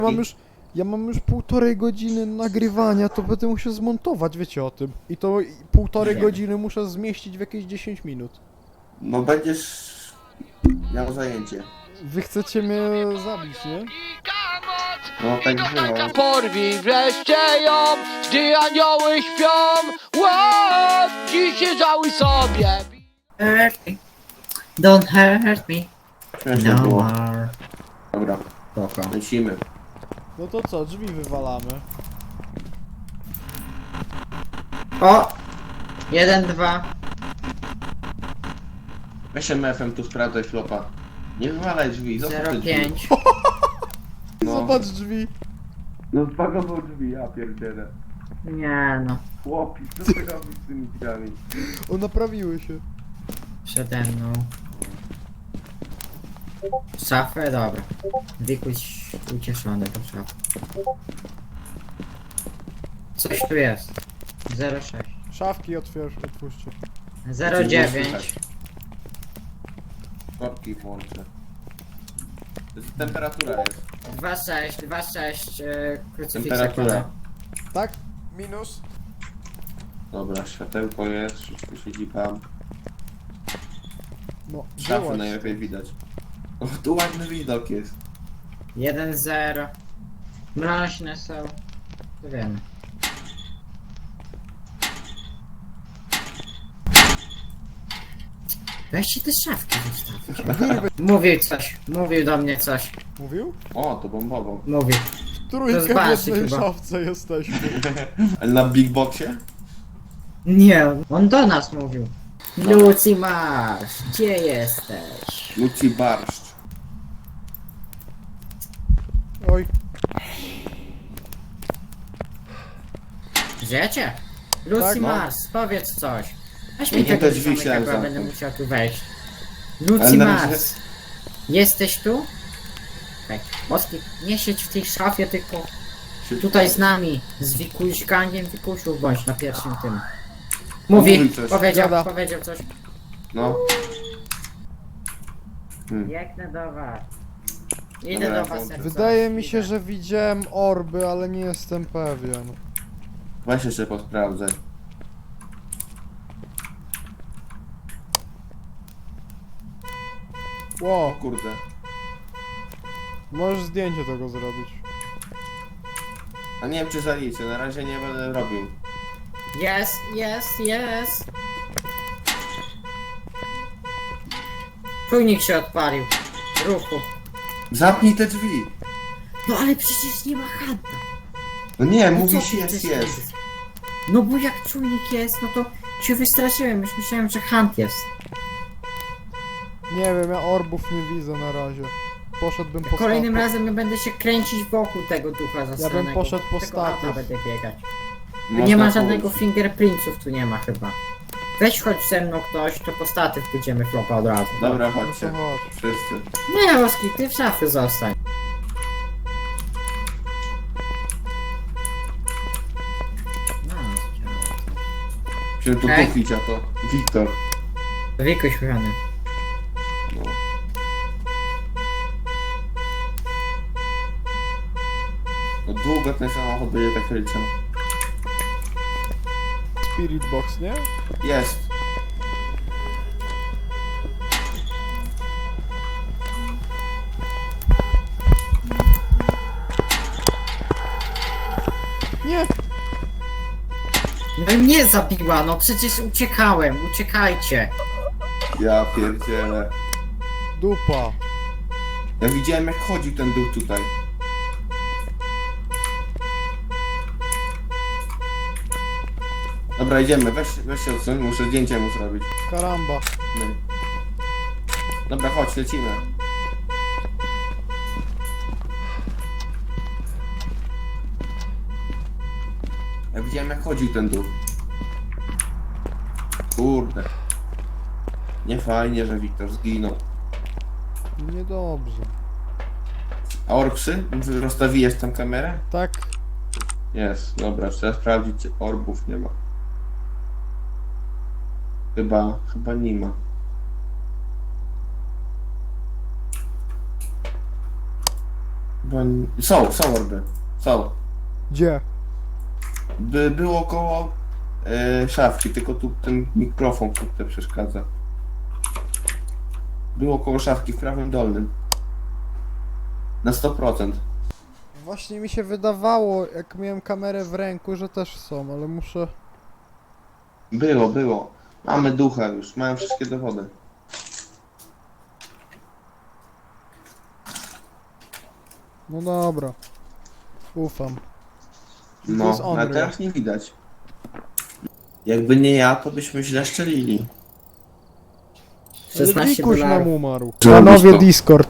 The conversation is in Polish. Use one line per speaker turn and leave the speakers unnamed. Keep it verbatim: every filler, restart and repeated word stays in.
Ja mam już, ja mam już półtorej godziny nagrywania, to będę musiał zmontować, wiecie o tym. I to półtorej
Wiem.
godziny muszę zmieścić w jakieś dziesięć minut.
No będziesz miał zajęcie.
Wy chcecie mnie zabić, nie?
No tak było.
Porwij wreszcie ją, gdy anioły śpią. Ło, dziś się żałuj sobie.
Hurt me. Don't hurt me.
Śmiesznie
No
było.
more.
Dobra,
Spoko.
lecimy.
No to co, drzwi wywalamy.
O! Jeden, dwa.
Weź M F-em tu sprawdzaj flopa. Nie wywalaj drzwi, zostaw te
Zero
drzwi.
pięć.
No.
Zobacz drzwi.
No zbagował drzwi, ja pierdzielę.
Nie no.
Chłopi, co ty robisz z tymi drzwiami?
O, naprawiły się.
Przede mną. Szafę? Dobra. Wikuś ucieszony po szafę. Coś tu jest. Zero sześć.
Szafki otwierz, otwórzcie.
Zero dziewięć.
Korki włączę. To jest temperatura jest.
Dwa sześć, dwa sześć. Yy, krucyfiksa.
Temperatura.
Tak? Minus.
Dobra, światełko jest, wszystko siedzi tam.
No,
Szafy
wyłaź.
najlepiej widać. O, tu ładny widok jest.
Jeden zero. Mroźne są. To wiemy. Weźcie te szafki zostawcie. Mówił coś, mówił do mnie coś.
Mówił?
O, to bombowo.
Mówił.
Trójkę w
zobaczcie
jednej
chyba.
szafce jesteśmy.
Ale na Big Boxie?
Nie, on do nas mówił. Lucy Marsz, gdzie jesteś?
Luci barszcz.
Oj,
Żyjecie? Lucy
Tak, no.
Marsz, powiedz coś. Weź
Ja
mi
nie
tego
te drzwi
zamyka,
chciałem
bo ja będę
zamknąć.
musiał tu wejść.
Ale
Lucy
na razie-
Marsz, jesteś tu? Okej. Moski, nie siedź w tej szafie, tylko tutaj z nami. Z Wikuś, gangiem Wikusiów bądź na pierwszym tym. Mówi,
Mówi coś.
powiedział,
Gada.
powiedział coś.
No. Hmm.
Biegnę do was. Idę
Dobra,
do was.
włączę.
jak
wydaje
coś,
mi się,
idę.
że widziałem orby, ale nie jestem pewien.
Weź jeszcze posprawdzaj. O
Ło,
kurde.
możesz zdjęcie tego zrobić.
A nie wiem czy zaliczę, na razie nie będę robił.
Jest, jest, jest. Czujnik się odpalił. Ruchu.
Zapnij te drzwi!
No ale przecież nie ma hanta.
No nie,
No co
mówisz
ty
jest,
chcesz
jest.
powiedzieć? No bo jak czujnik jest, no to się wystraszyłem. Już myślałem, że hunt jest.
Nie wiem, ja orbów nie widzę na razie. Poszedłbym po
Kolejnym
statku.
razem ja będę się kręcić wokół tego ducha zastranego.
poszedł po
Tego auta
statyw.
będę biegać.
Można
Nie ma
pójść.
żadnego fingerprintsów, tu nie ma chyba. Weź chodź ze mną ktoś, to po statyw pójdziemy flopa od razu.
Dobra,
No to
chodźcie.
chodź.
Wszyscy.
Nie, Oski, ty w szafie zostań. No,
Się tu
Okej.
kupić, a to Wiktor.
Wikuś kochany.
No. No długo ten samochód będzie tak ryczał.
Spirit box, nie?
Jest.
Nie!
No i mnie zabiła, no przecież uciekałem, uciekajcie.
Ja pierdzielę.
Dupa.
Ja widziałem jak chodził ten duch tutaj. Dobra, idziemy, weź, weź się odsuń, muszę zdjęcie mu zrobić.
Karamba.
No. Dobra, chodź, lecimy. Ja widziałem jak chodził ten duch. Kurde. Nie fajnie, że Wiktor zginął.
Niedobrze.
A orksy? Rozstawiłeś tam kamerę?
Tak?
Jest, dobra, trzeba sprawdzić, czy orbów nie ma. Chyba, chyba nie ma. Chyba nie... Są, są orby. Są.
Gdzie?
By było koło e, szafki, tylko tu ten mikrofon kurde przeszkadza. Było koło szafki w prawym dolnym. Na sto procent.
Właśnie mi się wydawało, jak miałem kamerę w ręku, że też są, ale muszę...
Było, było. Mamy ducha już, mają wszystkie dowody.
No dobra. Ufam. To
No,
jest
ale
Unreal.
teraz nie widać. Jakby nie ja, to byśmy źle szczelili.
Ale
szesnaście
Wikuś nam
dolarów.
umarł.
Zrobisz
Panowie
to.
Discord.